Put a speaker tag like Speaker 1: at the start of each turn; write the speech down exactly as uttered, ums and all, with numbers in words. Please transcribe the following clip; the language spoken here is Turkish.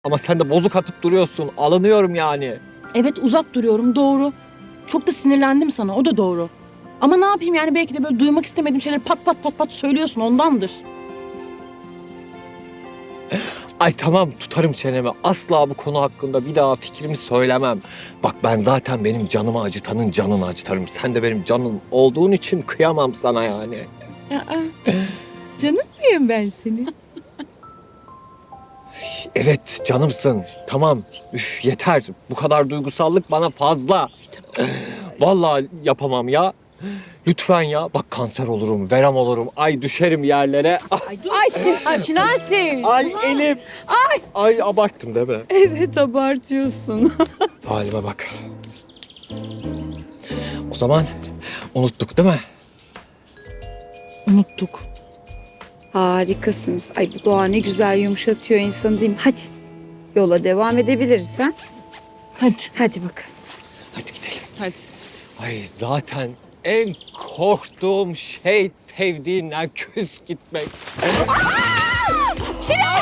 Speaker 1: Ama sen de bozuk atıp duruyorsun. Alınıyorum yani.
Speaker 2: Evet, uzak duruyorum, doğru. Çok da sinirlendim sana, o da doğru. Ama ne yapayım yani, belki de böyle duymak istemediğim şeyleri pat pat pat pat söylüyorsun, ondandır.
Speaker 1: Ay tamam, tutarım çenemi. Asla bu konu hakkında bir daha fikrimi söylemem. Bak ben zaten benim canımı acıtanın canını acıtarım. Sen de benim canım olduğun için kıyamam sana yani.
Speaker 2: Aa, canım diyeyim ben seni.
Speaker 1: Evet canımsın. Tamam. Üf, yeter. Bu kadar duygusallık bana fazla. Vallahi yapamam ya. Lütfen ya. Bak kanser olurum, verem olurum. Ay düşerim yerlere.
Speaker 2: Ay, ay Şinasi.
Speaker 1: Ay elim. Ay. Ay abarttım değil mi?
Speaker 3: Evet, abartıyorsun.
Speaker 1: Halime bak. O zaman unuttuk değil mi?
Speaker 2: Unuttuk.
Speaker 3: Harikasınız. Ay bu doğa ne güzel yumuşatıyor insanı değil mi? Hadi yola devam edebiliriz ha?
Speaker 2: Hadi.
Speaker 3: Hadi bakalım.
Speaker 1: Hadi gidelim.
Speaker 2: Hadi.
Speaker 1: Ay zaten en korktuğum şey sevdiğinden küs gitmek.
Speaker 2: Şinasi!